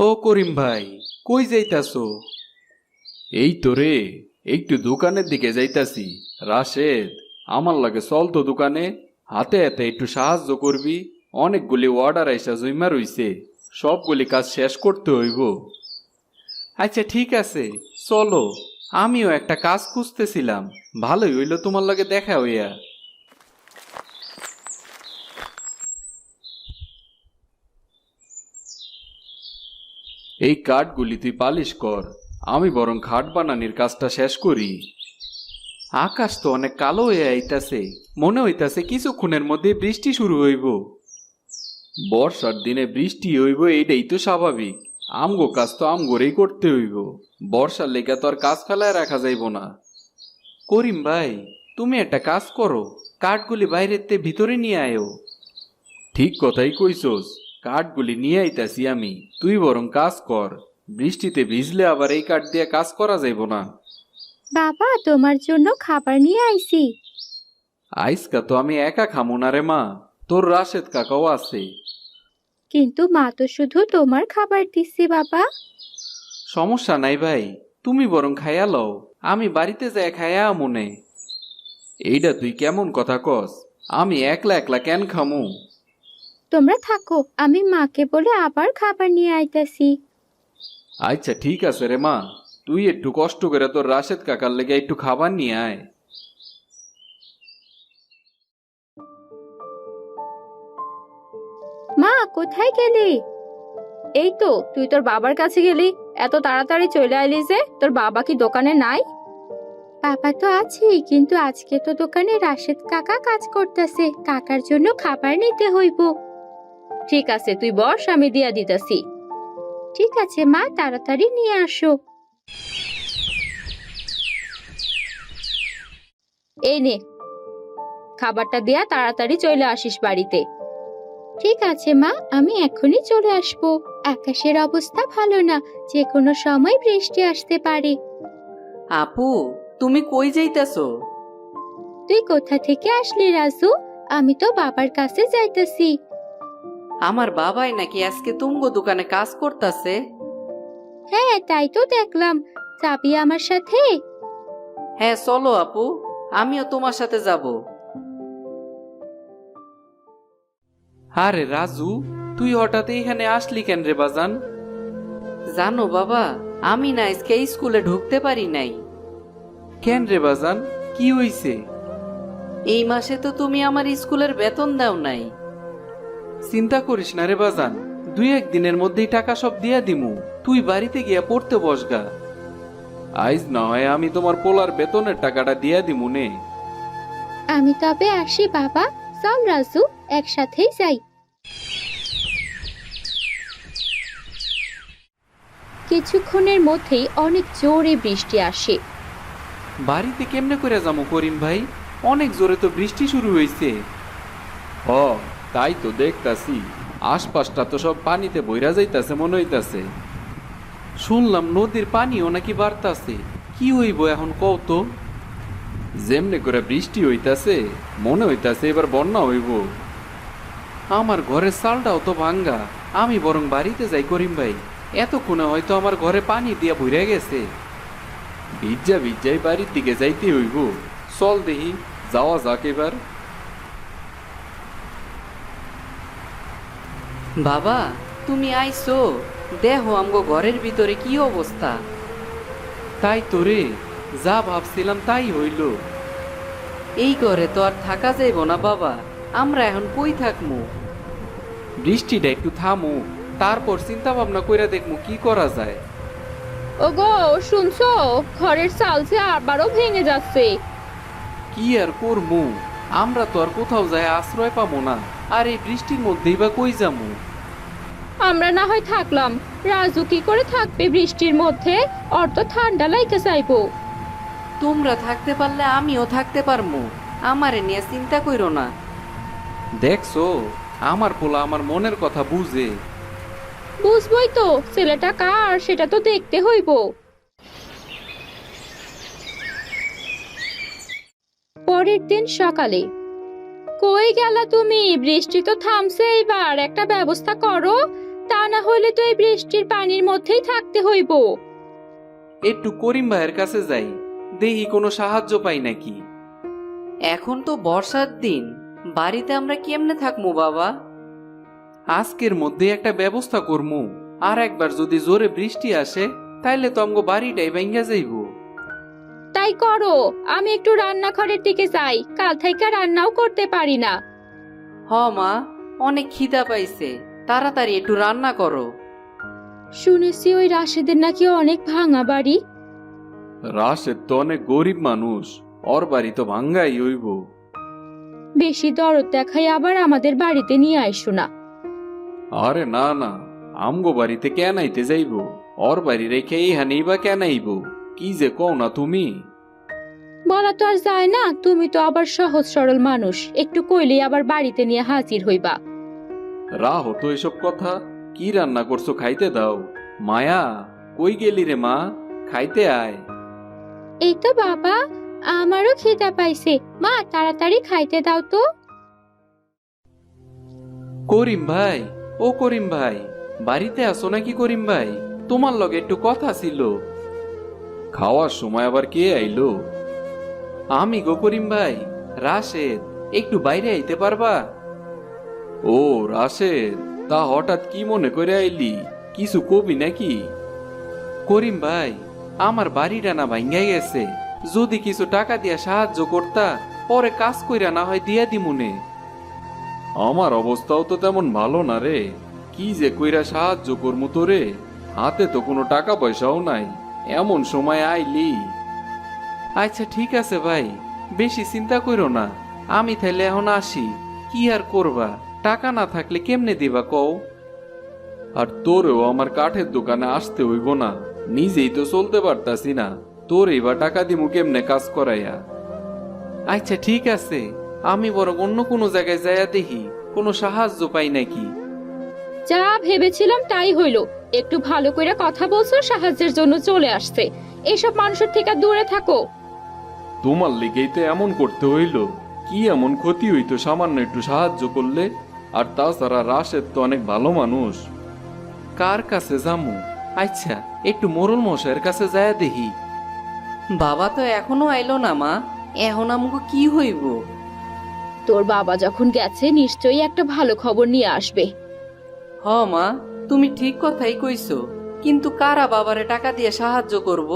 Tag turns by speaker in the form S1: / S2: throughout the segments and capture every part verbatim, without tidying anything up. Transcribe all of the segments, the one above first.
S1: ও করিম ভাই, কই যাইতাছো? এই তো রে, একটু দোকানের দিকে যাইতাছি। রাশেদ, আমার লাগে চল তো দোকানে, হাতে হাতে একটু সাহায্য করবি। অনেকগুলি অর্ডার আইসা জইমা রইছে, সবগুলি কাজ শেষ করতে হইব। আচ্ছা ঠিক আছে, চলো। আমিও একটা কাজ খুঁজতেছিলাম, ভালোই হইল তোমার লাগে দেখা হইয়া। এই কাঠগুলি তুই পালিশ কর, আমি বরং খাট বানানির কাজটা শেষ করি। আকাশ তো অনেক কালো হয়ে আইতাছে, মনে হইতাছে কিছুক্ষণের মধ্যে বৃষ্টি শুরু হইব। বর্ষার দিনে বৃষ্টি হইব এইটাই তো স্বাভাবিক। আমগো কাজ তো আমগোরেই করতে হইব, বর্ষার লেগে তো আর কাজ ফেলায় রাখা যাইব না। করিম ভাই, তুমি একটা কাজ করো, কাঠগুলি বাইরের তে ভিতরে নিয়ে আয়ো। ঠিক কথাই কইছস, কাঠগুলি নিয়ে আইতাছি আমি, তুই বরং কাজ কর। বৃষ্টিতে ভিজলে আবার এই কাঠ দিয়ে কাজ করা যাইব না।
S2: বাবা, তোমার জন্য খাবার নিয়ে আইছি।
S1: আইসকা তো আমি একা খামো না রে মা, তোর রাশেদ কাকাও আছে।
S2: কিন্তু মা তো শুধু তোমার খাবার দিচ্ছে বাবা।
S1: সমস্যা নাই ভাই, তুমি বরং খাইয়া লও, আমি বাড়িতে যাই খাইয়া মনে। এইটা তুই কেমন কথা কস? আমি একলা একলা কেন খামু?
S2: তোমরা থাকো, আমি মাকে বলে আবার খাবার নিয়ে আইতাছি।
S1: আচ্ছা ঠিক আছে রে মা, তুই একটু কষ্ট করে তোর রাশেদ কাকার লেগে একটু খাবার নিয়ে আয়।
S2: মা, কোথায় গেলি? এই তো, তুই তোর বাবার কাছে গেলি। এত তাড়াতাড়ি চলে আইলি যে, তোর বাবা কি দোকানে নাই? বাবা তো আছেই, কিন্তু আজকে তো দোকানে রাশেদ কাকা কাজ করতেছে, কাকার জন্য খাবার নিতে হইব। ঠিক আছে, তুই বস, আমি দিয়া দিতাছি। ঠিক আছে মা, তাড়াতাড়ি নিয়ে আসো। এই নে, খাবারটা দিয়া তাড়াতাড়ি চলে আসিস বাড়িতে। ঠিক আছে মা, আমি এখনই চলে আসবো। আকাশের অবস্থা ভালো না, যে কোনো সময় বৃষ্টি আসতে পারে।
S3: আপু, তুমি কই যাইতাছো?
S2: তুই কোথা থেকে আসলি রাজু? আমি তো বাবার কাছে যাইতাছি।
S3: আমার বাবাই নাকি আজকে তুমগো দোকানে কাজ করতাছে।
S2: হ্যাঁ, তাই তো দেখলাম। যাবি আমার সাথে?
S3: হ্যাঁ চলো আপু, আমিও তোমার সাথে যাব।
S1: আরে রাজু, তুই হঠাৎ এখানে আসলি কেন রে বাজান?
S3: জানো বাবা, আমি না আজকে স্কুলে ঢুকতে পারি নাই।
S1: কেন রে বাজান, কি হইছে?
S3: এই মাসে তো তুমি আমার স্কুলের বেতন দাও নাই।
S1: চিন্তা করিস না রে বাজান, দুই একদিনের মধ্যেই টাকা সব দিয়া দিমু, তুই বাড়িতে গিয়া পড়তে বসগা। আইজ না হয় আমি তোমার পোলার বেতনের টাকাটা দিয়া দিমু নে।
S2: আমি তবে আসি বাবা। চল রাজু, একসাথেই যাই। কিছুক্ষণের মধ্যেই অনেক জোরে বৃষ্টি আসে।
S1: বাড়িতে কেমনে করে যাবো করিম ভাই? অনেক জোরে তো বৃষ্টি শুরু হয়েছে। হ, তাই তো দেখতাছি, আশপাশটা তো সব পানিতে বইরা যাইতাছে মনে হইতাছে। শুনলাম নদীর পানিও নাকি বাড়তাছে, কি হইব এখন কও তো? যেমনে করে বৃষ্টি হইতাছে, মনে হইতাছে এবার বন্যা হইব। আমার ঘরের চালটাও তো ভাঙ্গা, আমি বরং বাড়িতে যাই করিম ভাই, এতক্ষণে হয়তো আমার ঘরে পানি দিয়া ভরে গেছে। ভিজা ভিজাই বাড়ির দিকে যাইতে হইব, চল দেখি যাওয়া যাক এবার।
S3: বাবা, তুমি আইছো? দেখো আমগো ঘরের ভিতরে কি অবস্থা।
S1: তাই তো রে, যা ভাবছিলাম তাই হইল।
S3: এই ঘরে তো আর থাকা যাইব না বাবা, আমরা এখন কই থাকমু?
S1: বৃষ্টিটা একটু থামু, তারপর চিন্তা ভাবনা কইরা দেখমু কি করা যায়।
S2: ওগো, শুনছো? ঘরের চাল যে আবারও ভেঙে যাচ্ছে।
S1: কি আর করমু, আমরা তো আর কোথাও যায় আশ্রয় পাবো না, আর এই বৃষ্টির মধ্যেই বা কই যামু?
S2: আমরা না হয় থাকলাম, রাজু কি করে থাকবে বৃষ্টির মধ্যে? ওর তো ঠান্ডা লাইতে চাইবো।
S3: তোমরা থাকতে পারলে আমিও থাকতে পারমু, আমারে নিয়ে চিন্তা কইরো না।
S1: দেখছো, আমার পোলা আমার মনের কথা বুঝে।
S2: বুঝবই তো, ছেলেটা কার সেটা তো দেখতে হইব। পরের দিন সকালে। কই গেলা তুমি? বৃষ্টি তো থামছে, এইবার একটা ব্যবস্থা করো। তা না হলে তো এই বৃষ্টির পানির মধ্যেই থাকতে হইব।
S1: একটু করিম ভাইয়ের কাছে যাই, দেখি কোনো সাহায্য পাই নাকি।
S3: এখন তো বর্ষার দিন, বাড়িতে আমরা কেমনে থাকবো বাবা?
S1: আজকের মধ্যে একটা ব্যবস্থা করমু, আর একবার যদি জোরে বৃষ্টি আসে তাইলে তো আমগো বাড়িটাই ভাঙ্গা যাইব।
S2: তাই করো, আমি একটু রান্নাঘরের দিকে যাই, কাল থেকে রান্নাও করতে পারি না।
S3: হ মা, অনেক খিদা পাইছে, তাড়াতাড়ি একটু রান্না করো।
S2: শুনেছি ওই রাশেদের নাকি অনেক ভাঙা বাড়ি।
S1: রাশেদ তো অনেক গরিব মানুষ, ওর বাড়ি তো ভাঙ্গাই হইব।
S2: বেশি দরদ দেখাই আবার আমাদের বাড়িতে নিয়ে আইসো না।
S1: আরে না না, আমগো বাড়িতে কেন আইতে যাইব? ওর বাড়ি রেখে এইখানেই বা কেন আইব? কি যে কও না তুমি।
S2: বলা তো আর যায় না, তুমি তো আবার সহজ সরল মানুষ, একটু কইলেই আবার বাড়িতে নিয়ে হাজির হইবা।
S1: রাহ তো এসব কথা। কি রান্না করছো খাইতে দাও। মায়া, কই গেলি রে মা? খাইতে আয়।
S2: এই তো বাবা, আমারও খিদা পাইছে, মা তাড়াতাড়ি খাইতে দাও তো।
S1: করিম ভাই, ও করিম ভাই, বাড়িতে আসো নাকি করিম ভাই? তোমার লগে একটু কথা ছিল। খাওয়ার সময় আবার কে আইলো? আমি গো করিম ভাই, রাশেদ। একটু বাইরে আইতে পারবা? ও রাশেদ, তা হঠাৎ কি মনে করে আইলি? কিছু কবি নাকি? করিম ভাই, আমার বাড়িটা না ভাঙ্গা গেছে, যদি কিছু টাকা দিয়া সাহায্য করতা, পরে কাজ কইরা না হয় দিয়া দিমুনে। আমার অবস্থাও তো তেমন ভালো না রে, কি যে কইরা সাহায্য করমু তোরে, হাতে তো কোনো টাকা পয়সাও নাই, এমন সময় আইলি। আচ্ছা ঠিক আছে ভাই, বেশি চিন্তা কইরো না, আমি তাইলে এখন আসি। কি আর করবা, টাকা না থাকলে কেমনে দিবা কও? আর তোরেও আমার কাঠের দোকানে আসতে হইব না, নিজেই তো চলতে পারতাছি না, তোরেই বা টাকা দিমু কেমনে কাজ করাইয়া। আচ্ছা ঠিক আছে, আমি বরং অন্য কোনো জায়গায় যাইয়া দেখি কোনো সাহায্য পাই নাকি।
S2: যা ভেবেছিলাম তাই হইল, একটু ভালো করে কথা বলছো, সাহায্যের জন্য চলে আসছে। এসব মানুষের থেকে দূরে থাকো।
S1: তোমার লিগেই তো এমন করতে হইল, কি এমন ক্ষতি হইতো সামান্য একটু সাহায্য করলে? আর তাছাড়া রাশেদ তো অনেক ভালো মানুষ। কার কাছে যামু? আচ্ছা একটু মোরল মশাইয়ের কাছে যাইয়া দেখি।
S3: বাবা তো এখনো আইলো না মা, এখন আমাকে কি হইব?
S2: তোর বাবা যখন গেছে নিশ্চয়ই একটা ভালো খবর নিয়ে আসবে।
S3: হ মা, তুমি ঠিক কথাই কইছো, কিন্তু কারা বাবারে টাকা দিয়ে সাহায্য করব?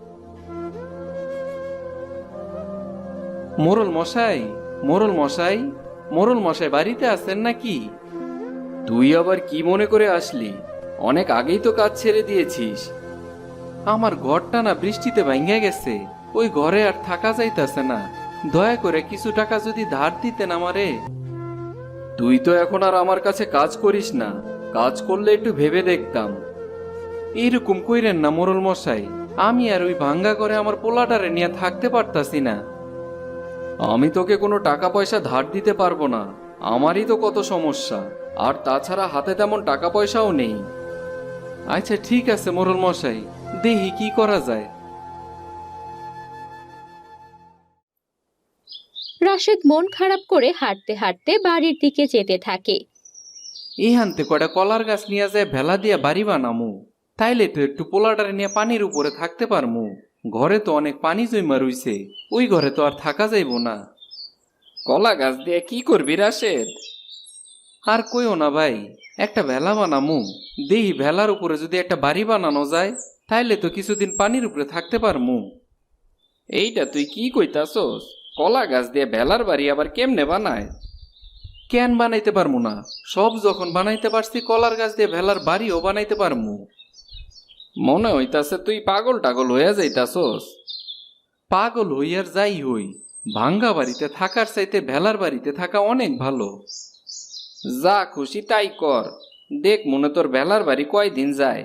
S1: মোরল মশাই, মোরল মশাই, মোরল মশাই বাড়িতে আছেন নাকি? তুই আবার কি মনে করে আসলি? অনেক আগেই তো কাজ ছেড়ে দিয়েছিস। আমার ঘরটা না বৃষ্টিতে ভাঙ্গা গেছে, ওই ঘরে আর থাকা যাইতাছে না, দয়া করে কিছু টাকা যদি ধার দিতেন আমারে। তুই তো এখন আর আমার কাছে কাজ করিস না, কাজ করলে একটু ভেবে দেখতাম। এইরকম কইরেন না মোরল মশাই, আমি আর ওই ভাঙ্গা করে আমার পোলাটারে নিয়ে থাকতে পারতাছি না। আমি তোকে কোনো টাকা পয়সা ধার দিতে পারবো না, আমারই তো কত সমস্যা, আর তাছাড়া হাতে তেমন টাকা পয়সাও নেই। আচ্ছা ঠিক আছে মোরল মশাই, দেখি কি করা যায়।
S2: রাশেদ মন খারাপ করে হাঁটতে হাঁটতে বাড়ির দিকে যেতে থাকে।
S1: এই হানতে কয়টা কলার গাছ নিয়ে যায় ভেলা দিয়া বাড়ি বানামু, তাইলে তো একটু পোলাটারে নিয়ে পানির উপরে থাকতে পারমু। ঘরে তো অনেক পানি জমা রইছে, ওই ঘরে তো আর থাকা যাইব না। কলা গাছ দিয়ে কি করবি রাশেদ? আর কইও না ভাই, একটা ভেলা বানামু, দেহি ভেলার উপরে যদি একটা বাড়ি বানানো যায়, তাইলে তো কিছুদিন পানির উপরে থাকতে পারমু। এইটা তুই কি কইতাছস? কলা গাছ দিয়ে ভেলার বাড়ি আবার কেমনে বানায়? কেন বানাইতে পারমু না? সব যখন বানাইতে পারছি, কলার গাছ দিয়ে ভেলার বাড়িও বানাইতে পারমু। মনে হইতাছে তুই পাগল টাগল হইয়া যাইতাছস। পাগল হইয়ার যাই হই, ভাঙ্গা বাড়িতে থাকার চাইতে ভেলার বাড়িতে থাকা অনেক ভালো। যা খুশি তাই কর, দেখ মনে তোর ভেলার বাড়ি কয়দিন যায়।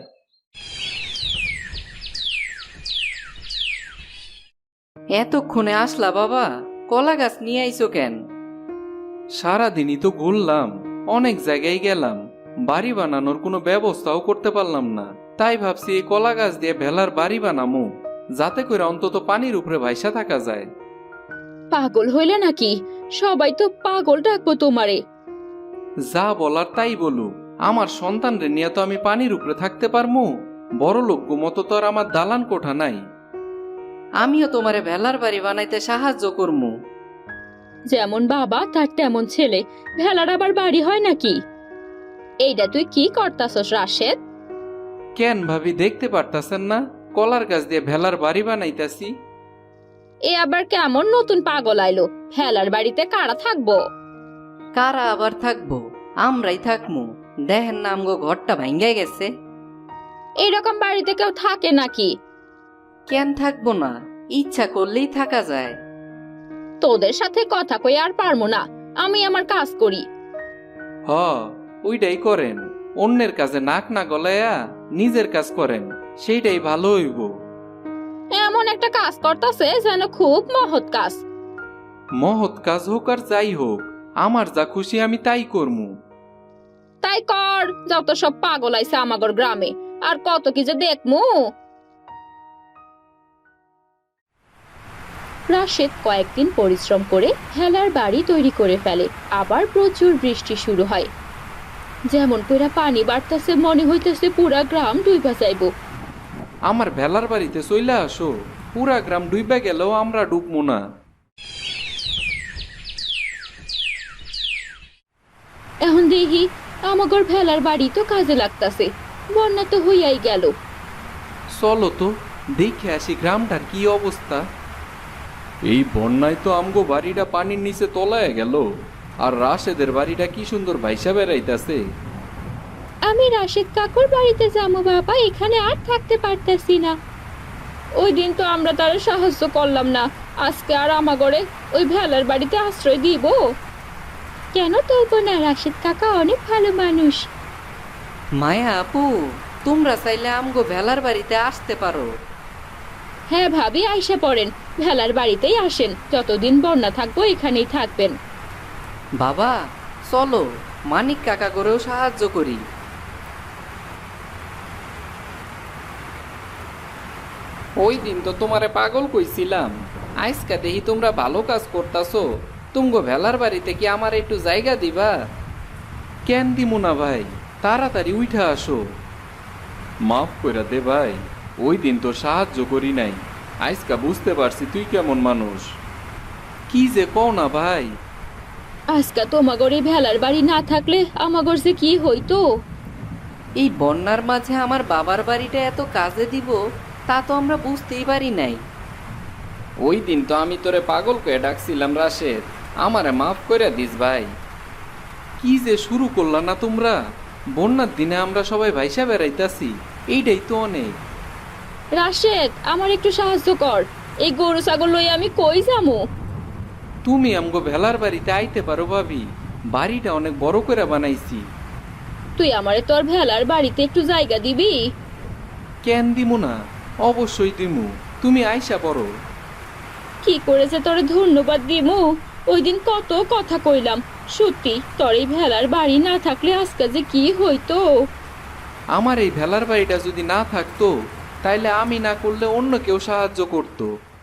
S3: এতক্ষণে আসলা বাবা, কলা গাছ নিয়ে আইছো কেন?
S1: সারাদিনই তো ঘুরলাম, অনেক জায়গায় গেলাম, বাড়ি বানানোর কোনো ব্যবস্থাও করতে পারলাম না, তাই ভাবছি এই কলা গাছ দিয়ে ভেলার বাড়ি বানামু, যাতে করে অন্তত পানির উপরে ভাইসা থাকা যায়।
S2: পাগল হইলে নাকি? সবাই তো পাগল ডাকবো তোমারে।
S1: যা বলার তাই বলু, আমার সন্তানরে নিয়ে তো আমি পানির উপরে থাকতে পারমু। বড় লোক মতো তো আর আমার দালান কোঠা নাই।
S3: আমিও তোমারে ভেলার বাড়ি বানাইতে সাহায্য করমু।
S2: যেমন বাবা তার তেমন ছেলে, ভেলার আবার বাড়ি হয় নাকি? এইটা তুই কি করতাছস রাশেদ?
S1: কেন ভাবি দেখতে পারতাছেন না কলার গাছ দিয়ে ভেলার বাড়ি বানাইতাছি?
S2: এ আবার কেমন নতুন পাগল আইলো? ভেলার বাড়িতে কারা থাকবো?
S3: কারা আবার থাকবো? আমরাই থাকমু। দেখেন না আমগো ঘরটা ভাঙ্গে গেছে।
S2: এইরকম বাড়িতে কেউ থাকে নাকি?
S3: কেন থাকবো না? ইচ্ছা করলেই থাকা যায়।
S2: তোদের সাথে কথা কই আর পারমু না, আমি আমার কাজ করি।
S1: হ, ওইটাই করেন। অন্যের কাজে নাক না গলায়া নিজের কাজ করেন, সেইটাই ভালো হইব।
S2: এমন একটা কাজ করতেছে যেন খুব মহৎ কাজ।
S1: মহৎ কাজ হোক আর যাই হোক, আমার যা খুশি আমি তাই করমু।
S2: তাই কর, যত সব পাগল আইছে আমাগর গ্রামে, আর কত কি যে দেখমু। রাশেদ কয়েকদিন পরিশ্রম করে ভেলার বাড়ি তৈরি করে ফেলে। আবার প্রচুর বৃষ্টি শুরু হয়। যেমন কইরা পানি বাড়তেছে, মনে হইতেছে পুরা গ্রাম ডুইবা যাইবো।
S1: আমার ভেলার বাড়িতে চইলা আসো, পুরা গ্রাম ডুইবা গেলেও আমরা ডুবমু না।
S2: এখন দেখি আমাগর ভেলার বাড়ি তো কাজে লাগতাছে, বন্যা তো হইয়াই গেল।
S1: চলো তো দেখে আসি গ্রামটার কি অবস্থা। এই বন্যায় তো আমগো বাড়িটা পানির নিচে তলায় গেল, আর রাশেদের বাড়িটা কি সুন্দর ভাইসা বেড়াইতাছে।
S2: আমি রাশেদ কাকুর বাড়িতে যাবো বাবা, এখানে আর থাকতে পারতেছি না। ওই দিন তো আমরা তার সাহায্য করলাম না, আজকে আর আমাগরে ওই ভেলার বাড়িতে আশ্রয় দিব? কেন তুলবো না, রাশেদ কাকা অনেক ভালো মানুষ।
S3: মায়া আপু, তোমরা চাইলে আমগো ভেলার বাড়িতে আসতে পারো।
S2: হ্যাঁ ভাবি, আইসা পড়েন, ভেলার বাড়িতেই আসেন, যতদিন বন্যা থাকবো এখানেই থাকবেন।
S3: বাবা চলো, মানিক কাকা করেও সাহায্য করি।
S1: ওই দিন তো তোমারে পাগল কইছিলাম, আজকা দেখি তোমরা ভালো কাজ করতাছো। তুমগো ভেলার বাড়িতে কি আমার একটু জায়গা দিবা? কেন দিমু না ভাই, তাড়াতাড়ি উঠা আসো। মাফ কইরা দে ভাই, ওই দিন তো সাহায্য করি নাই, আজকা বুঝতে পারছি তুই কেমন মানুষ। কি যে কও না ভাই।
S2: আজকে তোমাগর এই ভেলার বাড়ি না থাকলে আমাগর যে কি হইতো।
S3: এই বন্যার মাঝে আমার বাবার বাড়িটা এত কাজে দিব তা তো আমরা বুঝতেই পারি নাই।
S1: ওই দিন তো আমি তোরে পাগল কয়ে ডাকছিলাম রাশেদ, আমারে মাফ করে দিস ভাই। কি যে শুরু করলা না তোমরা, বন্যার দিনে আমরা সবাই ভাইসা বেড়াইতাছি, এইটাই তো অনেক।
S2: রাশেদ, আমার একটু সাহায্য কর, এই গরু ছাগল লই আমি কই যামু?
S1: তুমি আমগো ভেলার বাড়িতে আইতে পারো ভাবি, বাড়িটা অনেক বড় করে বানাইছি।
S2: তুই আমারে তোর ভেলার বাড়িতে একটু জায়গা দিবি?
S1: কেন দিমু না, অবশ্যই দিমু, তুমি আইসা পড়ো।
S2: কি করেছে তোরে ধন্যবাদ দিমু? ওই দিন কত কথা কইলাম, সত্যি তোর এই ভেলার বাড়ি না থাকলে আজকে যে কি হইতো।
S1: আমার এই ভেলার বাড়িটা যদি না থাকতো, তাইলে আমি না করলে অন্য কেউ সাহায্য করতো।